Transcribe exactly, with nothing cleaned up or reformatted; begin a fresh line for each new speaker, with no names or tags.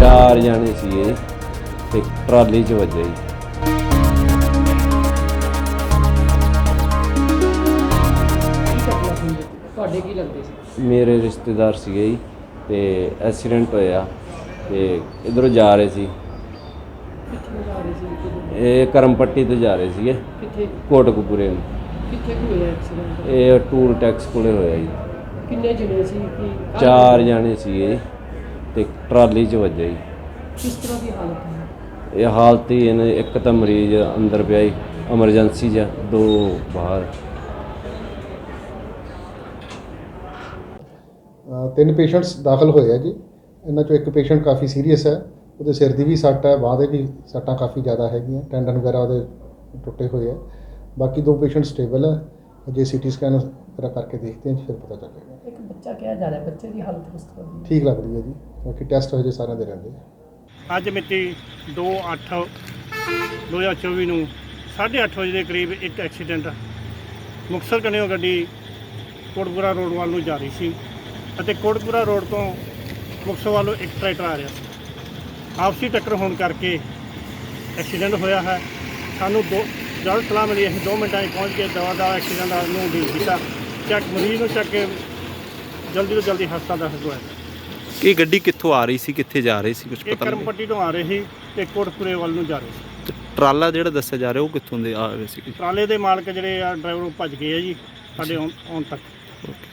ਚਾਰ ਜਾਣੇ ਸੀਗੇ ਤੇ ਟਰਾਲੀ 'ਚ ਵੱਜਿਆ ਜੀ।
ਤੁਹਾਡੇ ਕੀ ਲੱਗਦੇ ਸੀ?
ਮੇਰੇ ਰਿਸ਼ਤੇਦਾਰ ਸੀਗੇ ਜੀ ਤੇ ਐਕਸੀਡੈਂਟ ਹੋਇਆ ਤੇ ਇਧਰੋਂ ਜਾ ਰਹੇ ਸੀ।
ਕਿੱਥੇ ਜਾ ਰਹੇ ਸੀ?
ਇਹ ਕਰਮ ਪੱਟੀ ਤੋਂ ਜਾ ਰਹੇ ਸੀਗੇ
ਕਿੱਥੇ
ਕੋਟਕਪੂਰੇ ਨੂੰ।
ਕਿੱਥੇ ਕੁ ਹੋਇਆ ਐਕਸੀਡੈਂਟ?
ਇਹ ਟੂਲ ਟੈਕਸ ਕੋਲੇ ਹੋਇਆ ਜੀ।
ਕਿੰਨੇ ਜਣੇ ਸੀ? ਕੀ
ਚਾਰ ਜਾਣੇ ਸੀਗੇ ਜੀ ਤੇ ਟਰਾਲੀ 'ਚ ਵੱਜਿਆ ਜੀ।
ਕਿਸ ਤਰ੍ਹਾਂ ਦੀ ਹਾਲਤ ਹੈ?
ਇਹ ਹਾਲਤ ਹੀ ਇਹਨੇ ਇੱਕ ਤਾਂ ਮਰੀਜ਼ ਅੰਦਰ ਪਿਆ ਜੀ ਐਮਰਜੈਂਸੀ 'ਚ, ਦੋ ਬਾਹਰ।
ਤਿੰਨ ਪੇਸ਼ੈਂਟਸ ਦਾਖਲ ਹੋਏ ਆ ਜੀ। ਇਹਨਾਂ 'ਚੋਂ ਇੱਕ ਪੇਸ਼ੈਂਟ ਕਾਫੀ ਸੀਰੀਅਸ ਹੈ, ਉਹਦੇ ਸਿਰ ਦੀ ਵੀ ਸੱਟ ਹੈ, ਬਾਂਹ ਦੇ ਵੀ ਸੱਟਾਂ ਕਾਫੀ ਜ਼ਿਆਦਾ ਹੈਗੀਆਂ, ਟੈਂਡਨ ਵਗੈਰਾ ਉਹਦੇ ਟੁੱਟੇ ਹੋਏ ਆ। ਬਾਕੀ ਦੋ ਪੇਸ਼ੈਂਟ ਸਟੇਬਲ ਹੈ, ਅਜੇ ਸੀ ਟੀ ਸਕੈਨ ਵਗੈਰਾ ਕਰਕੇ ਦੇਖਦੇ ਹਾਂ, ਫਿਰ ਪਤਾ ਚੱਲੇਗਾ।
ਇੱਕ ਬੱਚਾ ਕਿਹਾ ਜਾ ਰਿਹਾ, ਬੱਚੇ ਦੀ ਹਾਲਤ ਕਿਸ ਤਰ੍ਹਾਂ ਦੀ?
ਠੀਕ ਲੱਗ ਰਹੀ ਹੈ ਜੀ, ਬਾਕੀ ਟੈਸਟ ਹਜੇ ਸਾਰਿਆਂ ਦੇ ਰਹਿੰਦੇ ਆ।
ਅੱਜ ਮਿਤੀ ਦੋ ਅੱਠ ਦੋ ਹਜ਼ਾਰ ਚੌਵੀ ਨੂੰ ਸਾਢੇ ਅੱਠ ਵਜੇ ਦੇ ਕਰੀਬ ਇੱਕ ਐਕਸੀਡੈਂਟ ਮੁਕਤਸਰ ਕਨਿਓ ਗੱਡੀ ਕੋਟਕਪੂਰਾ ਰੋਡ ਵੱਲ ਨੂੰ ਜਾ ਰਹੀ ਸੀ ਅਤੇ ਕੋਟਕਪੂਰਾ ਰੋਡ ਤੋਂ ਮੁਕਤਸਰ ਵੱਲੋਂ ਇੱਕ ਟਰੈਕਟਰ ਆ ਰਿਹਾ ਸੀ। ਆਪਸੀ ਟੱਕਰ ਹੋਣ ਕਰਕੇ ਐਕਸੀਡੈਂਟ ਹੋਇਆ ਹੈ। ਸਾਨੂੰ ਦੋ ਜਦ ਸਲਾਹ ਮਿਲੀ, ਅਸੀਂ ਦੋ ਮਿੰਟਾਂ 'ਚ ਪਹੁੰਚ ਕੇ ਦਵਾ ਦਾ ਐਕਸੀਡੈਂਟ ਨੂੰ ਡੀਲ ਕੀਤਾ, ਚੱਕ ਮਰੀਜ਼ ਨੂੰ ਚੱਕ ਕੇ ਜਲਦੀ ਤੋਂ ਜਲਦੀ ਹਸਪਤਾਲ ਦਾਖਲ ਕਰਵਾਇਆ।
ਇਹ ਗੱਡੀ ਕਿੱਥੋਂ ਆ ਰਹੀ ਸੀ, ਕਿੱਥੇ ਜਾ ਰਹੀ ਸੀ, ਕੁਝ
ਇਹ
ਪਤਾ
ਕਰਮ
ਨਹੀਂ?
ਪੱਟੀ ਤੋਂ ਆ ਰਹੇ ਸੀ ਤੇ ਕੋਟਕਪੂਰੇ ਵੱਲ ਨੂੰ ਜਾ ਰਹੇ ਸੀ।
ਤੇ ਟਰਾਲਾ ਜਿਹੜਾ ਦੱਸਿਆ ਜਾ ਰਿਹਾ ਉਹ ਕਿੱਥੋਂ ਦੇ ਆ ਰਹੇ ਸੀ?
ਟਰਾਲੇ ਦੇ ਮਾਲਕ ਜਿਹੜੇ ਆ ਡਰਾਈਵਰ ਉਹ ਭੱਜ ਗਏ ਆ ਜੀ ਸਾਡੇ ਆਉਣ ਆਉਣ ਤੱਕ।